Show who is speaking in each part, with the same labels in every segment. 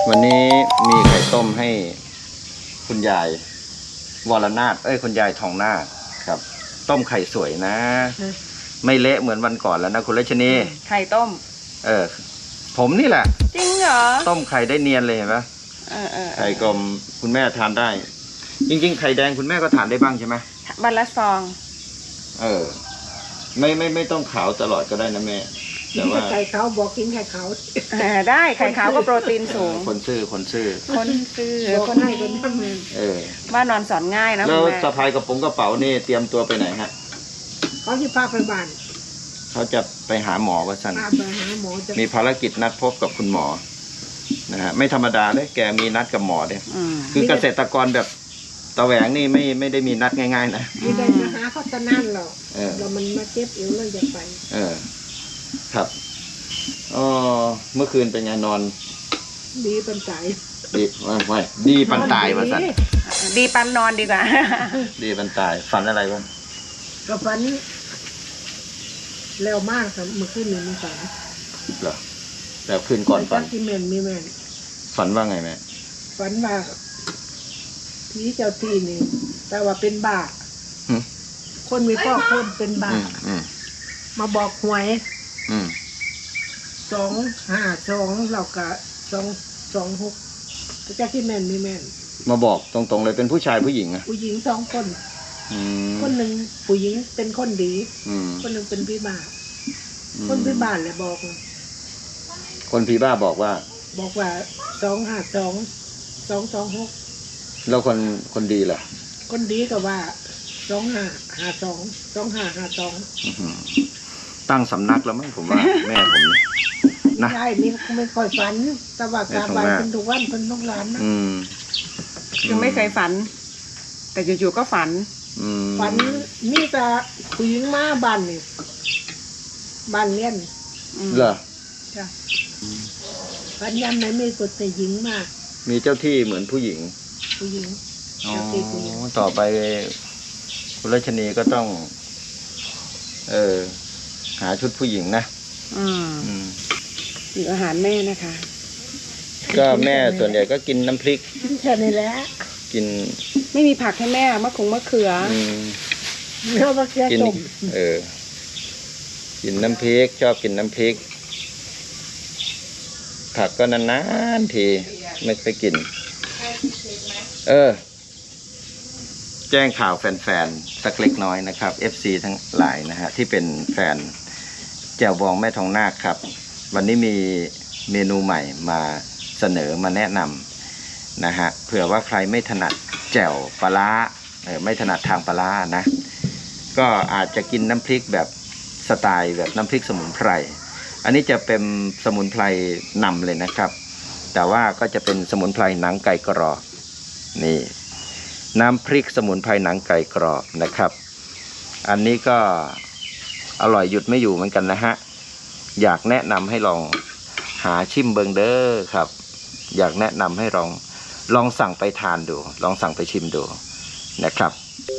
Speaker 1: วันนี้มีไข่ต้มให้คุณยายวรนาถคุณยายทองนาถครับต้มไข่สวยนะไม่เละเหมือนวันก่อนแล้วนะคุณรัชนี
Speaker 2: ไข่ต้ม
Speaker 1: ผมนี่แหละ
Speaker 2: จริงเหรอ
Speaker 1: ต้มไข่ได้เนียนเลยเห็นปะไข่กลมคุณแม่ทานได้จริงๆไข่แดงคุณแม่ก็ทานได้บ้างใช่ไหม
Speaker 2: วันละซอง
Speaker 1: ไม่ต้องขาวตลอดก็ได้นะแม่
Speaker 3: แต่ว่าไข่ขาวบอกกินไข่ขาว
Speaker 2: ได้ไข่ขาวก็โปรตีนสูง
Speaker 1: คนซื่อคน
Speaker 3: ให้คนท
Speaker 2: ำว่านอนสอนง่ายนะ
Speaker 1: แล้วสะพายกระเป๋านี่เตรียมตัวไปไหนฮะ
Speaker 3: เขาจะพาไปบ้าน
Speaker 1: เขาจะไปหาหมอว่าสันมีภารกิจนัดพบกับคุณหมอนะฮะไม่ธรรมดาเลยแกมีนัดกับหมอเนี่ยคือเกษตรกรแบบตะแหวงนี่ไม่ได้มีนัดง่ายๆนะ
Speaker 3: ไม่ได้มาหาเขาจะนั่นหรอกเรามันมาเจ็บเอวเราจะไป
Speaker 1: ครับเมื่อคืนเป็นไงนอน
Speaker 3: ดีปันตาย
Speaker 1: ไม่ดีปันตายว่าสัน
Speaker 2: ดีปันนอนดีกว่า
Speaker 1: ดีปันตายฝันอะไรบ้าง
Speaker 3: ก็ฝันเร็วมากครับเมื่อคืนนี้มันฝัน
Speaker 1: เหรอแล้วคืนก่อนฝัน
Speaker 3: ที่แม่มีแม่
Speaker 1: ฝันว่าไงแม่
Speaker 3: ฝันว่าผีเจ้าที่นี่แต่ว่าเป็นบ้าคนมีพ่อคนเป็นบ้ามาบอกหวย252เราก็226พระเจ้าที่แม่นมีแม่น
Speaker 1: มาบอกตรงๆเลยเป็นผู้ชายผู้หญิงอะ
Speaker 3: ผู้หญิง2คนคนหนึ่งผู้หญิงเป็นคนดีคนหนึ่งเป็นพี่บ้าคนพี่บ้าเลยบอก
Speaker 1: คนพี่บ้าบอกว่า
Speaker 3: 252 226
Speaker 1: แล้วคนดีล่ะ
Speaker 3: คนดีก็ว่า2552
Speaker 1: ตั้งสำนักแล้วมั้งผมว่าแม่ผมนะ
Speaker 3: ใช่นี่ไม่ค่อยฝันแต่ว่ากราบไหว้เป็นทุกวันเป็นทุกร้านนะ
Speaker 2: ยังไม่เคยฝันแต่อยู่ๆก็ฝัน
Speaker 3: นี่แต่ผู้หญิงมาบ้านนี่บ้านเลี้ยน
Speaker 1: เหรอ
Speaker 3: ใช่ฝันยันไหนไม่กดแต่หญิงมาก
Speaker 1: มีเจ้าที่เหมือนผู้หญิงต่อไปคุณรัชนีก็ต้องหาชุดผู้หญิงนะ
Speaker 2: อยู่อาหารแม่นะคะ
Speaker 1: ก็แม่ส่วนใหญ่ก็กินน้ำพริก
Speaker 3: แค่นี้แหละ
Speaker 1: กิน
Speaker 2: ไม่มีผักให้แม่มะเขือ
Speaker 3: แล้วมะเขือต้ม
Speaker 1: กินน้ำพริกชอบกินน้ำพริกผักก็นานๆทีไม่ไปกินแจ้งข่าวแฟนๆสักเล็กน้อยนะครับ FC ทั้งหลายนะฮะที่เป็นแฟนแจ่วบองแม่ทองนาคครับวันนี้มีเมนูใหม่มาเสนอมาแนะนำนะฮะเผื่อว่าใครไม่ถนัดแจ่วปลาร้าไม่ถนัดทางปลาร้านะก็อาจจะกินน้ำพริกแบบสไตล์แบบน้ำพริกสมุนไพรอันนี้จะเป็นสมุนไพรนำเลยนะครับแต่ว่าก็จะเป็นสมุนไพรหนังไก่กรอบนี่น้ำพริกสมุนไพรหนังไก่กรอบนะครับอันนี้ก็อร่อยหยุดไม่อยู่เหมือนกันนะฮะอยากแนะนำให้ลองหาชิมเบิงเด้อครับอยากแนะนำให้ลองสั่งไปทานดูลองสั่งไปชิมดูนะครับ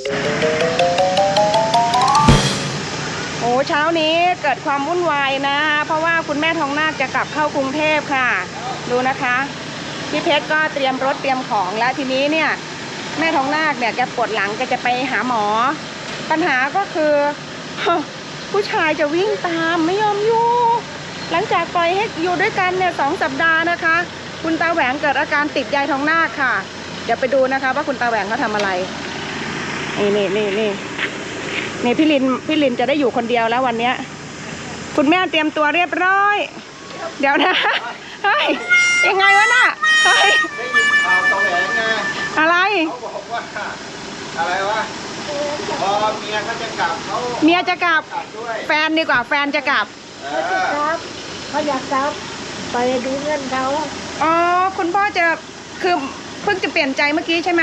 Speaker 2: โอ้เช้านี้เกิดความวุ่นวายนะเพราะว่าคุณแม่ทองนาคจะกลับเข้ากรุงเทพค่ะดูนะคะพี่เพชรก็เตรียมรถเตรียมของแล้วทีนี้เนี่ยแม่ทองนาคเนี่ยแกปวดหลังแกจะไปหาหมอปัญหาก็คือผู้ชายจะวิ่งตามไม่ยอมอยู่หลังจากปล่อยให้อยู่ด้วยกันเนี่ย2 สัปดาห์นะคะคุณตาแหวงเกิดอาการติดยายทองนาคค่ะเดี๋ยวไปดูนะคะว่าคุณตาแหวงเขาทำอะไรนี่พี่ลินจะได้อยู่คนเดียวแล้ววันเนี้ยคุณแม่เตรียมตัวเรียบร้อยเดี๋ยวนะเฮ้ยยังไงวะน่ะเฮ้ย
Speaker 1: ได้ยินข่าวตะแหวงไง
Speaker 2: อะไร
Speaker 1: เขาบอกว่าอะไรวะพอเมียเขาจะกลับ
Speaker 2: เมียจะกลับแฟนดีกว่าแฟนจะกลับ
Speaker 3: ครับเขาอยากกลับไปดูเงินเขา
Speaker 2: อ๋อคุณพ่อจะคือเพิ่งจะเปลี่ยนใจเมื่อกี้ใช่ไหม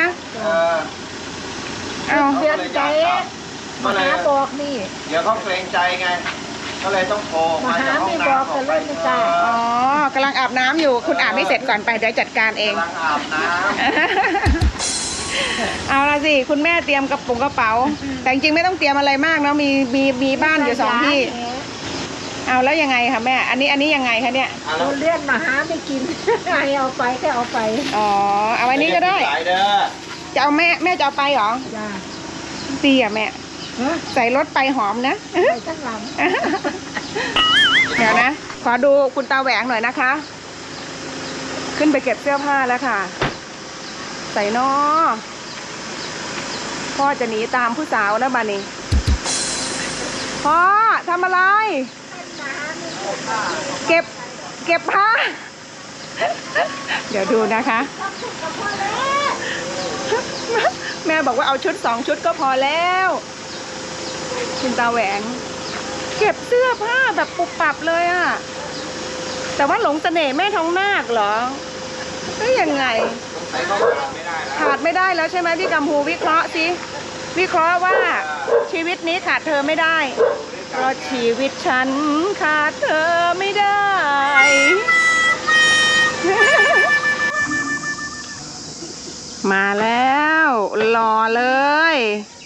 Speaker 3: เปลี่ยนใจมาหาบอกนี่
Speaker 1: เดี๋ยวเขาเกรงใจไงก็เลยต้องโทร
Speaker 3: มาหาไม่บอกกันเลยไม่กล้า
Speaker 2: อ๋อกำลังอาบน้ำอยู่คุณอาบไม่เสร็จก่อนไปเดี๋ยวจัดการเอง
Speaker 1: กำลังอาบน้
Speaker 2: ำเอาละสิคุณแม่เตรียมกระเป๋าแต่จริงๆไม่ต้องเตรียมอะไรมากนะมีบ้านอยู่2 ที่เอาแล้วยังไงคะแม่อันนี้ยังไงคะเนี่ย
Speaker 3: เราเรียกมาหาไม่กิน ให้เอาไปก็เอาไป
Speaker 2: อ๋อเอาไว้นี้ก็ได้
Speaker 1: สายเด้อ
Speaker 2: จะเอาแม่จะเอาไปเหรอ
Speaker 3: จ้า
Speaker 2: ดีอ่ะแม่
Speaker 3: ฮะ
Speaker 2: ใส่รถไปหอมนะ
Speaker 3: ไปทั้งลำ
Speaker 2: เดี๋ยวนะ ขอดูคุณตาแหวงหน่อยนะคะ ขึ้นไปเก็บเสื้อผ้าแล้วค่ะ ใส่นอพ่อจะหนีตามผู้สาวนะบ้านี้พ่อทำอะไร เก็บผ้า เดี๋ยวดูนะคะ แม่บอกว่าเอาชุด2 ชุดก็พอแล้วคุณตาแหวง เก็บเสื้อผ้าแบบปุบปับเลยอะแต่ว่าหลงเสน่ห์แม่ทองนาคเหรอก็ยังไง
Speaker 1: ใส่เข้าไม่ได้แล้ว
Speaker 2: ขาดไม่ได้แล้วใช่ไหมพี่กัมพูวิเคราะห์สิวิเคราะห์ว่าชีวิตนี้ขาดเธอไม่ได้เพราะชีวิตฉันขาดเธอไม่ได้ มาแล้วรอเลย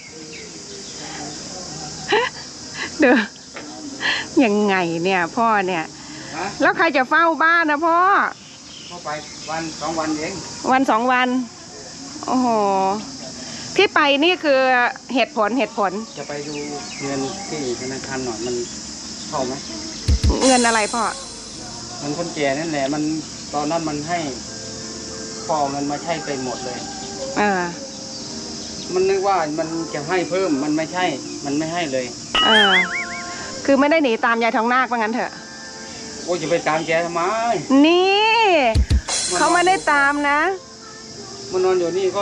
Speaker 2: เด้อยังไงเนี่ยพ่อเนี่ย
Speaker 4: ฮะ
Speaker 2: แล้วใครจะเฝ้าบ้านนะพ่อ
Speaker 4: เข้าไปวัน2 วันเอง
Speaker 2: วัน2 วัน โอ้โห ที่ไปนี่คือเหตุผล
Speaker 4: จะไปดูเงินที่ธนาคารหน่อยมันเข้าไหม
Speaker 2: เงินอะไรพ่อ
Speaker 4: มันคนแก่นั่นแหละมันตอนนั้นมันให้พ่อเอาเงินมาใช้ไปหมดเลย
Speaker 2: เออ
Speaker 4: มันนึกว่ามันจะให้เพิ่มมันไม่ใช่ มันไม่ให้เลย
Speaker 2: เออ คือไม่ได้หนีตามยายทองนาคว่างั้นเถอะ
Speaker 4: โอ้ยจะไปตามแกทำไม
Speaker 2: นี่เขาไม่ได้ตามนะ
Speaker 4: มันนอนอยู่นี่ก็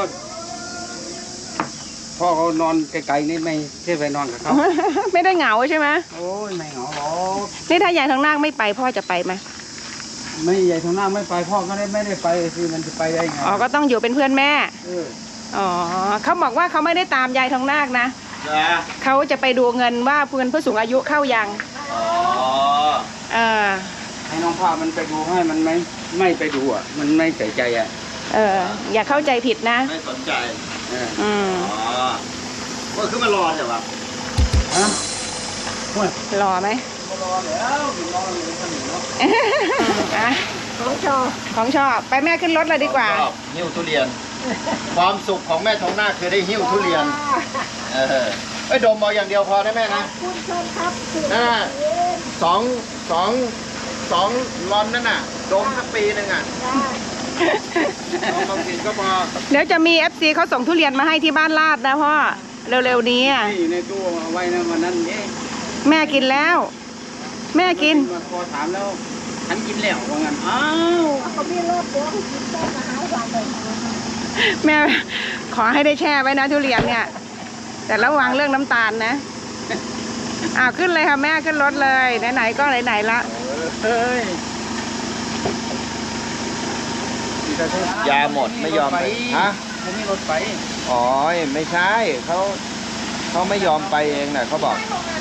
Speaker 4: พ่อเขานอนไกลๆนี่ไม่ที่ไปนอนกับเขา
Speaker 2: ไม่ได้เหงาใช่ไหม
Speaker 4: โอ้ยไม่เหงาหรอก
Speaker 2: นี่ถ้ายายทองนาคไม่ไปพ่อจะไปไหม
Speaker 4: ไม่ใหญ่ทางหน้าไม่ไปพ่อก็ไม่ได้ไปสิมันจะไปได้ไง
Speaker 2: อ๋อ ก็ต้องอยู่เป็นเพื่อนแม่
Speaker 4: เออ
Speaker 2: อ๋อเขาบอกว่าเขาไม่ได้ตามยายทองนาคนะ
Speaker 1: จ้า
Speaker 2: เขาจะไปดูเงินว่าเพื่อนผู้สูงอายุเข้ายัง
Speaker 1: อ๋อ
Speaker 2: เออ
Speaker 4: ให้น้องพามันไปดูให้มันไม่ไปดูอ่ะ มันไม่ใส่ใจอ่ะ
Speaker 2: เออ อย่าเข้าใจผิดนะ
Speaker 1: ไม่สนใจ
Speaker 4: เออ
Speaker 2: อืม
Speaker 1: อ๋อก็คือมารอใช่ปะ
Speaker 4: ฮะโอ้ย
Speaker 2: รอไหม
Speaker 4: มารอแล้วรอเลยขนมเนาะ
Speaker 2: อ่ะ
Speaker 3: ของชอบ
Speaker 2: ของชอบ ไปแม่ขึ้นรถเลยดีกว่า
Speaker 1: ชอบหิ้วทุเรียน ความสุขของแม่ทองนาคคือได้หิ้วทุเรียน เออไอ้ยดมเอาอย่างเดียวพอนะแม่นะ
Speaker 3: คุณชมครับ
Speaker 1: นั่นน่ะสองรอนนั่นน่ะดมสักปีหนึ่งอ่ะเอาบางทีก็พอ
Speaker 2: เดี๋ยวจะมี FC เขาส่งทุเรียนมาให้ที่บ้านลาดนะพ่อ เร็วๆนี้อ่ะ
Speaker 4: ที่อยู่ในตู้เอาไว้นะวันนั้นเอ๊ะ
Speaker 2: แม่กินแล้ว แม่กิน
Speaker 4: มาพอถามแล้วฉันกินแล้วว่างั้นอ้าว
Speaker 3: เขาไม่รอดเดี๋ยวกินได้มาหาวันเลย
Speaker 2: แม่ขอให้ได้แช่ไว้นะทุเรียนเนี่ย แต่ระวังเรื่องน้ำตาลนะขึ้นเลยค่ะแม่ขึ้นรถเลยไหนๆก็ไหนๆละ
Speaker 4: เฮ้ย
Speaker 1: ยาหมดไม่ยอมไปฮะ
Speaker 4: ผมมีรถไป
Speaker 1: อ๋อไม่ใช่เขาไม่ยอมไปเองน่ะเขาบอก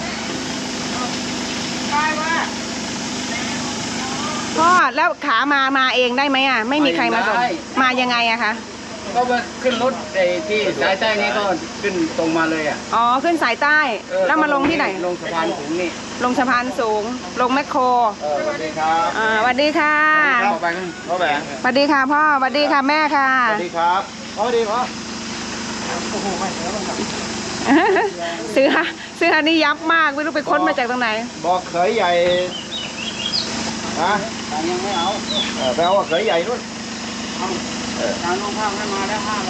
Speaker 2: พ่อแล้วขามาเองได้ไหมอ่ะไม่มีใครมาส่งมายังไงอะคะ
Speaker 4: ก็มาขึ้นรถไอ้ที่สายใต้นี้ก็ขึ้นตรงมาเลยอ่ะ
Speaker 2: อ๋อขึ้นสายใต้ แล้วมาลงที่ไหน
Speaker 4: ลงสะพานสูงนี่
Speaker 2: ลงสะพานสูง ลงแมคโคร
Speaker 1: สวัสดีครับ
Speaker 2: สวัสดีค่ะ
Speaker 4: เข้าไปกัน
Speaker 1: พ่อแหวง
Speaker 2: สวัสดีค่ะพ่อสวัสดีค่ะแม่ค่ะ
Speaker 1: สวัสดีครับสวัสดีพ่อ
Speaker 2: เสื้อนี่ยับมากไม่รู้ไปค้นมาจากตรงไหน
Speaker 1: บอกเขยใหญ่ฮะ
Speaker 4: แต่ยังไม่เอา
Speaker 1: ไปเอาเขยใหญ่นู่น
Speaker 4: เอาทางน้องภาคให้มาแล้ว500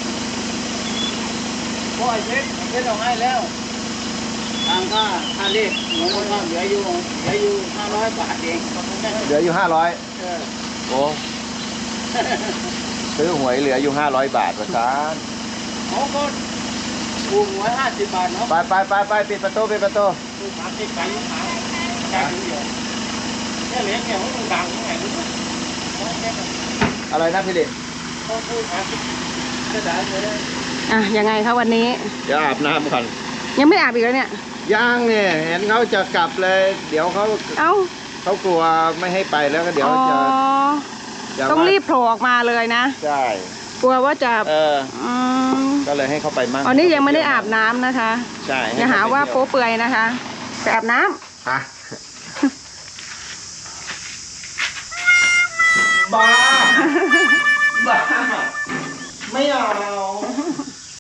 Speaker 4: เพราะไอ้เพชรเอาให้แล้วทางค่าเลขน้องภาคเหลืออยู่500 บาทเอง
Speaker 1: เหลืออยู่500
Speaker 4: เออ
Speaker 1: โอ้ซื้อหวยเหลืออยู่500 บาทประสาน
Speaker 4: เขาก็ถูก150 บาทเนาะ
Speaker 1: ไปปิดประตู
Speaker 4: คือ30 กันจ่ายเดียวแค่เหรียญเนี่ยมันดังยังไงรู้ไหม
Speaker 1: อะไรนะพี่เด็ก
Speaker 4: เขาพูด30ก็ได้เลย
Speaker 2: ยังไงคะวันนี้
Speaker 1: เดี๋ยวอาบน้ำก่อน
Speaker 2: ยังไม่อาบอีกแล้วเนี่ย
Speaker 1: ย่างเนี่ยเห็นเขาจะกลับเลย เดี๋ยวเขา
Speaker 2: เอ้าก
Speaker 1: ลัวไม่ให้ไปแล้วก็เดี๋ยว
Speaker 2: อ๋อ
Speaker 1: จะ
Speaker 2: ต้องรีบโผล่ออกมาเลยนะ
Speaker 1: ใช่
Speaker 2: กลัวว่าจะ ม
Speaker 1: ก็เลยให้เขาไปมั่ง
Speaker 2: อันนี้ยังไม่ได้อาบน้ำนะคะ
Speaker 1: ใช่
Speaker 2: อย่าหาว่าโป๊เปื่อยนะคะไปอาบน้ำ
Speaker 1: ฮะบ้า บ้า ไม่เอา